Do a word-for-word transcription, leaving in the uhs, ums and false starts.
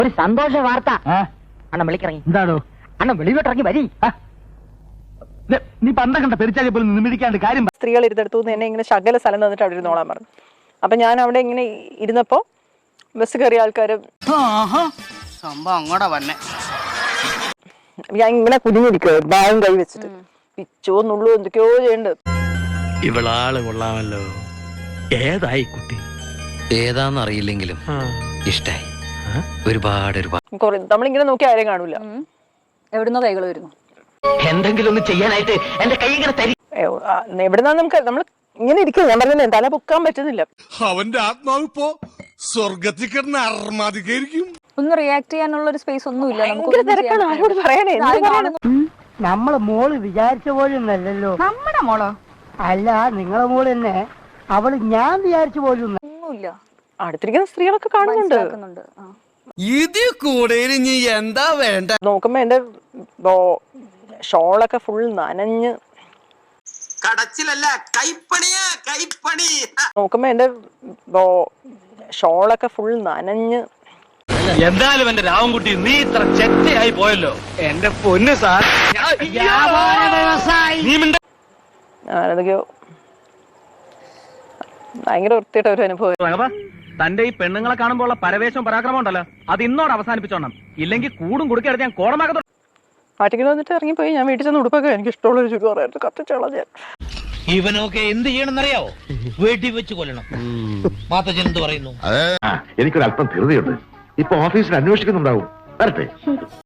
ഒരു സന്തോഷ വാർത്ത. അണ്ണൻ വിളിക്കിറങ്ങി. എന്താണോ അണ്ണൻ വെളിയിലോട്ടിറങ്ങി വരി. നീ പണ്ട കണ്ട പെരിച്ചാലി പോലും നിമിടിക്കാണ്ട് കാര്യം. സ്ത്രീകൾ ഇരുന്നെടുത്തു എന്നെ ഇങ്ങനെ ശകല സ്ഥലം തന്നിട്ട് അവിടെ ഇരുന്നോളാൻ പറഞ്ഞു. അപ്പൊ ഞാൻ അവിടെ ഇങ്ങനെ ഇരുന്നപ്പോ ബസ് കയറിയ ആൾക്കാര് സംഭവം അങ്ങോട്ടാ വന്നെ. ഞാൻ ഇങ്ങനെ കുഞ്ഞിരിക്കുക ബാഗും കൈ വെച്ചിട്ട് പിച്ചോ നുള്ളു എന്തൊക്കെയോ ചെയ്യണ്ട്. ഇവളാള് കൊള്ളാമല്ലോ. ഏതായി കുട്ടി? ഏതാന്നറിയില്ലെങ്കിലും ഇഷ്ടായി. ഒരുപാട് ഒരുപാട് നമ്മളിങ്ങനെ നോക്കി ആരെയും കാണൂല. എവിടുന്നോ കൈകൾ വരുന്നു. എന്തെങ്കിലും ഒന്ന് ചെയ്യാനായിട്ട് എന്റെ കൈ ഇങ്ങനെ തരി. എവിടുന്നാ നമുക്ക് നമ്മൾ ഇങ്ങനെ ഇരിക്കും. ഞാൻ പറഞ്ഞ തല പൊക്കാൻ പറ്റുന്നില്ല. അവന്റെ ആത്മാവ് ഇപ്പോ സ്വർഗത്തിൽ കിടന്ന് അർമാദിക്കായിരിക്കും. ഒന്ന് റിയാക്ട് ചെയ്യാനുള്ള ഒരു സ്പേസ് ഒന്നുമില്ല. ആരോട് പറയണേ? നമ്മളെ മോള് വിചാരിച്ച പോലും അല്ലല്ലോ. നമ്മുടെ മോളോ? അല്ല, നിങ്ങളെ മോള് തന്നെ. അവള് ഞാൻ വിചാരിച്ച പോലും ഒന്നുമില്ല. അടുത്തിരിക്കുന്ന സ്ത്രീകളൊക്കെ കാണുന്നുണ്ട്. ഇത് കൂടെ ഇനി എന്താ വേണ്ട? നോക്കുമ്പോ എന്റെ ഷോളൊക്കെ ഫുൾ നനഞ്ഞ്. കടച്ചിലല്ല, കൈപ്പണിയാ കൈപ്പണി. നോക്കുമ്പോ എന്റെ ഷോളൊക്കെ ഫുൾ നനഞ്ഞ്. എന്തായാലും എന്റെ രാവൻകുട്ടി നീ ഇത്ര ചെറ്റയായി പോയല്ലോ. എന്റെ പൊന്ന് സാർ, അതൊക്കെയോ ഭയങ്കര വൃത്തിയായിട്ട് ഒരു അനുഭവം. തന്റെ ഈ പെണ്ണുങ്ങളെ കാണുമ്പോൾ ഉള്ള പരവേശവും പരാക്രമം ഉണ്ടല്ലോ, അത് ഇന്നോട് അവസാനിപ്പിച്ചോണം. ഇല്ലെങ്കിൽ കൂടും കുടുക്കെടുത്ത് ഞാൻ കോടമാകത്തോ. ആറ്റിക്കൽ വന്നിട്ട് ഇറങ്ങിപ്പോയി. ഞാൻ വീട്ടിൽ ചെന്ന് ഉടുപ്പൊക്കെ എനിക്ക് ഇഷ്ടമുള്ള ഒരു ചുരിദാറായിട്ട് കത്തിച്ചോളാം ഞാൻ. ഇവനൊക്കെ എന്ത് ചെയ്യണമെന്നറിയാവോ? വീട്ടിൽ വെച്ച് കൊല്ലണം. മാത്തച്ഛൻ എന്ത് പറയുന്നു? എനിക്കൊരല്പം ധൃതിയുണ്ട്. ഇപ്പൊ ഓഫീസിൽ അന്വേഷിക്കുന്നുണ്ടാവും. വരട്ടെ.